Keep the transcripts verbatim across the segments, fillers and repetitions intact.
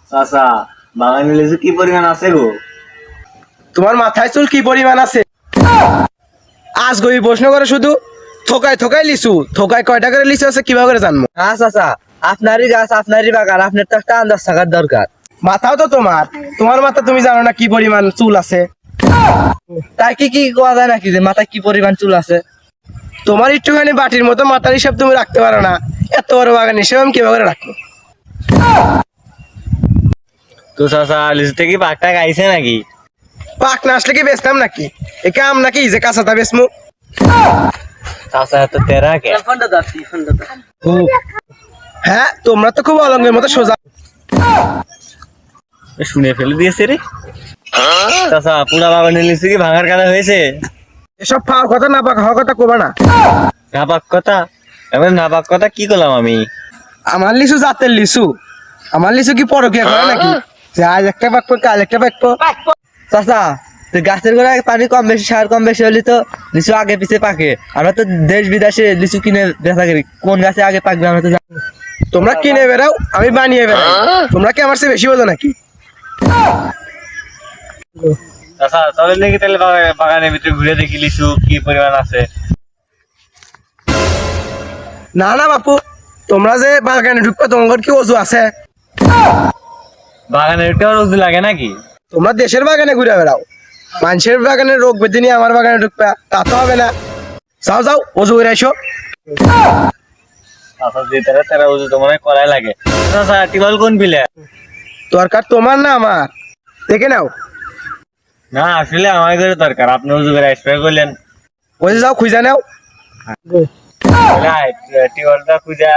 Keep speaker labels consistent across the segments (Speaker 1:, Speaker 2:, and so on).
Speaker 1: চাচা বাগানে লিচু কি পরিমাণ আছে গো?
Speaker 2: তোমার মাথায় চুল কি পরিমাণ আছে? আজ গই প্রশ্ন করে শুধু থোকায় থোকায় লিচু, থোকায় কয়টা করে লিচু আছে কিভাবে করে জানবো?
Speaker 3: হ্যাঁ চাচা, আপনারই গাছ আপনারই বাগান, আপনার তো একটা আন্দাজ থাকার দরকার।
Speaker 2: মাথাও তো তোমার, তোমার মাথা তুমি জানো না কি পরিমাণ চুল আছে?
Speaker 3: তাই কি কি কোয়া যায় নাকি যে মাথায় কি পরিমাণ চুল আছে?
Speaker 2: তোমার একটুখানি বাটির মতো মাথার হিসাব তুমি রাখতে পারো না, এত বড় বাগান হিসেবে আমি কিভাবে করে রাখবো?
Speaker 1: তো চাচা লিচুতে কি পাকটা গাইছে নাকি?
Speaker 2: পাক না আসলে কি বেচতাম নাকি? এ কাম নাকি যে কাঁচাটা বেচমু?
Speaker 1: চাচা এত তেরা কে?
Speaker 2: হ্যাঁ, তোমরা তো খুব অলঙ্গের মতো সোজা।
Speaker 1: শুনে ফেলে দিয়েছে রে। চাচা পুরা বাগানে লিচু কি ভাঙার কাদা হয়েছে?
Speaker 2: এসব পাওয়ার কথা না পাক হওয়ার কথা কবা না।
Speaker 1: না পাক কথা? এবার না পাক কথা কি করলাম আমি?
Speaker 2: আমার লিচু জাতের লিচু, আমার লিচু কি পরকিয়া করে নাকি যে আজ একটা পাকবো কাল একটা পাকবো?
Speaker 3: চাচা, তো গাছের গোড়ায় পানি কম বেশি সার কম বেশি হলে তো লিচু আগে পিছে পাকে। আমরা তো দেশ বিদেশে লিচু কিনে বেচা করি, কোন গাছে আগে পাকবে আমরা তো জানি না।
Speaker 2: তোমরা কিনে বেড়াও, আমি বানিয়ে বেড়াই। তোমরা কি আমার চেয়ে বেশি বোঝো নাকি?
Speaker 1: চাচা চলেন নাকি তাহলে বাগা- বাগানের ভিতরে ঘুরে দেখি লিচু কি পরিমাণ আছে।
Speaker 2: না না বাপু, তোমরা যে বাগানে ঢুকবে তোমার কি অজু আছে?
Speaker 1: বাগানের একটু রোজ লাগে নাকি?
Speaker 2: তোমরা দেশের বাগানে ঘুরে বেড়াও, মানুষের বাগানে রোগ বেঁধে নিয়ে আমার বাগানে ঢুকবে, তা তো হবে না। যাও যাও অজু করে এসো।
Speaker 1: চাচা যে তারা তারা ওজু তো মনে হয় করাই লাগে। চাচা টিবল কোন বিলে?
Speaker 2: দরকার তোমার না আমার, দেখে নাও।
Speaker 1: না আসলে আমার করে দরকার, আপনি উজু করে স্প্রে করলেন।
Speaker 2: ওই যে যাও খুঁজে নাও।
Speaker 1: টিবলটা খুঁজা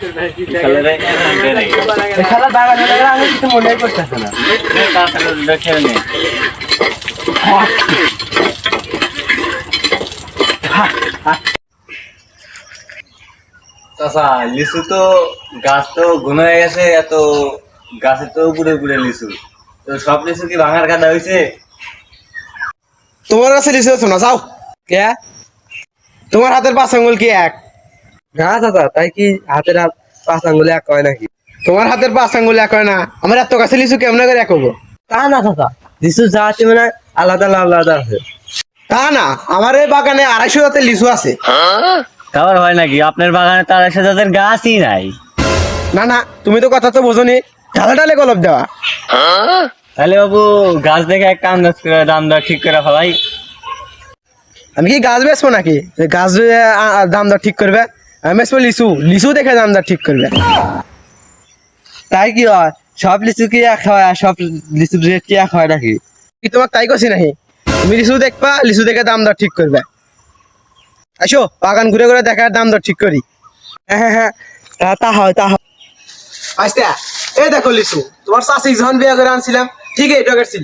Speaker 3: এখানে বাগানে বাগানে আমি কিছু মনেই করতেছে না।
Speaker 1: খেলে নেই। চাচা লিচু তো গাছ তো ঘন হয়ে গেছে, এত গাছের তো উপরে উপরে লিচু, তো সব লিচু কি ভাঙার কাদা হয়েছে?
Speaker 2: তোমার কাছে লিচু আছে না, যাও।
Speaker 3: কে?
Speaker 2: তোমার হাতের পাঁচ আঙ্গুল কি এক?
Speaker 3: না চাচা, তাই কি হাতের আর পাঁচ আঙ্গুলে এক হয় নাকি?
Speaker 2: তোমার হাতের পাঁচ আঙ্গুল এক হয় না, আমার এত কাছে লিচু কেমন করে এক হবো?
Speaker 3: তা না চাচা, লিচু যা আছে মানে আলাদা আলাদা আছে।
Speaker 2: তা না, আমার এই বাগানে আড়াইশো জাতের লিচু আছে।
Speaker 1: খাবার হয় নাকি? আপনার বাগানে তার সাথে তাদের গাছই নাই।
Speaker 2: না না, তুমি তো কথা তো বোঝনি, ঢালে ঢালে গলপ দেওয়া।
Speaker 1: তাহলে বাবু গাছ দেখে একটা আন্দাজ করে দাম দর ঠিক করে ফেলাই।
Speaker 2: আমি কি গাছ বেচবো নাকি যে গাছ আ- আ- দাম দর ঠিক করবে? আমি বেচবো লিচু, লিচু দেখে দাম দর ঠিক করবে।
Speaker 3: তাই কি হয়? সব লিচু কি এক হয় আর সব লিচুর রেট কি এক হয় নাকি?
Speaker 2: কি তোমার তাই করছি নাকি? তুমি লিচু দেখবা, লিচু দেখে দাম দর ঠিক করবে। আসো বাগান ঘুরে ঘুরে দেখার দাম দর ঠিক করি।
Speaker 3: হ্যাঁ হ্যাঁ হ্যাঁ, তা- তা হয় তা হয়।
Speaker 2: আচ্ছা, এই দেখো লিচু, তোমার চাষি যখন বিয়ে করে আনছিলাম ঠিক এই টকের ছিল।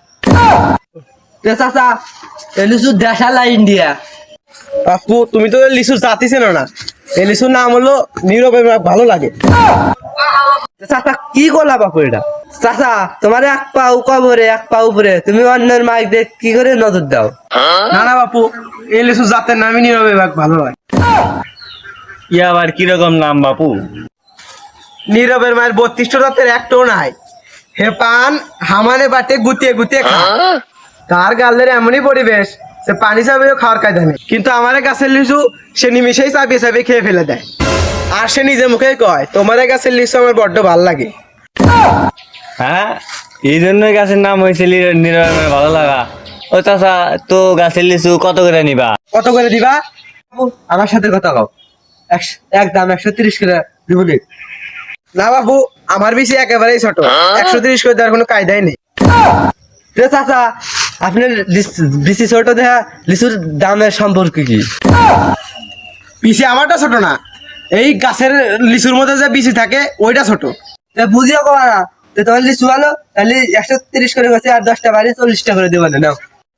Speaker 3: তো চাচা, এই লিচু দেশাল না ইন্ডিয়া?
Speaker 2: বাপু তুমি তো লিচু জাতি চেনো না, এই লিচুর নাম হলো নীরবে ভালো লাগে।
Speaker 3: তো চাচা কি করলা বাপু এটা? চাচা, তোমার এক পা কবরে এক পা উপরে, তুমি অন্যের মাইক দেখ কি করে নজর দাও?
Speaker 2: না না বাপু, এই লিচু জাতের নামই নীরবে ভালো হয়।
Speaker 1: ই আবার কিরকম নাম বাপু?
Speaker 2: নীরবের মায়ের বত্রিশটা জাতের একটাও নাই। হে পান হামানে বাটে গুতিয়ে গুতিয়ে খায়, তার গালের এমনই পরিবেশ সে পানি চাবেও খাওয়ার কায়দা নেই, কিন্তু আমার গাছের লিচু সে নিমিশেই চাপিয়ে চাপিয়ে খেয়ে ফেলে দেয়। আর সে নিজে মুখেই কয় তোমার গাছের লিচু আমার বড্ড ভাল লাগে।
Speaker 1: হ্যাঁ, এই জন্যই গাছের নাম হয়েছে নিরবের ভালো লাগা। ও চাচা, তো গাছের লিচু কত করে নিবা?
Speaker 2: কত করে দিবা?
Speaker 3: বাপু, আমার সাথে কথা কও। একশ- এক দাম একশো তিরিশ করে দিব নি?
Speaker 2: না বাবু, আমার বেশি একেবারেই ছোট, একশো তিরিশ করে দেওয়ার কোনো কায়দাই নেই।
Speaker 3: তো চাচা, আপনার লিচ- বিচি ছোট দেখা লিচুর দামের সম্পর্ক কি?
Speaker 2: পিসি আমারটা ছোট না, এই গাছের লিচুর মধ্যে যে বিচি থাকে ওইটা ছোট।
Speaker 3: তো বুঝিও কবা না, তো তোমার লিচু ভালো, তাহলে একশো তিরিশ করে গেছে আর দশটা বাড়ি চল্লিশটা করে দেবো না, নাও।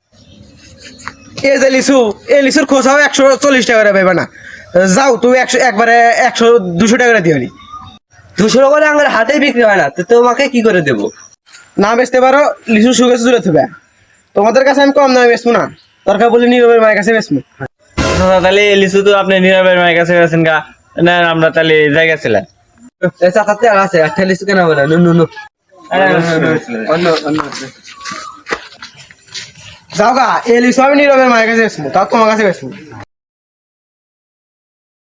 Speaker 2: এই যে লিচু, এই লিচুর খোঁজাও একশো চল্লিশ টাকা করে পাইবা না। যাও তুমি একশো একবারে একশো দুশো টাকা করে দিও নি।
Speaker 3: দুশো করে আমার হাতে বিক্রি হয় না, তো তোমাকে কি করে দেবো?
Speaker 2: না বেচতে পারো, লিচু সুগেছে দূরে থাকবে। তোমাদের কাছে আমি কম দামে বেচবো না, দরকার বলে নীরবের মায়ের কাছে বেচবো।
Speaker 1: চাচা, তাহলে এই লিচু তো আপনি নিরবের মায়ের কাছে গেছেন গা, না আমরা তাহলে জায়গা ছিলাম।
Speaker 3: এই চাচাতে আর আছে, একটা লিচু কেনা হবে না, নু নু নু।
Speaker 2: যাও গা এই লিচু আমি নীরবের মায়ের কাছে বেচবো তাও তোমার কাছে বেচবো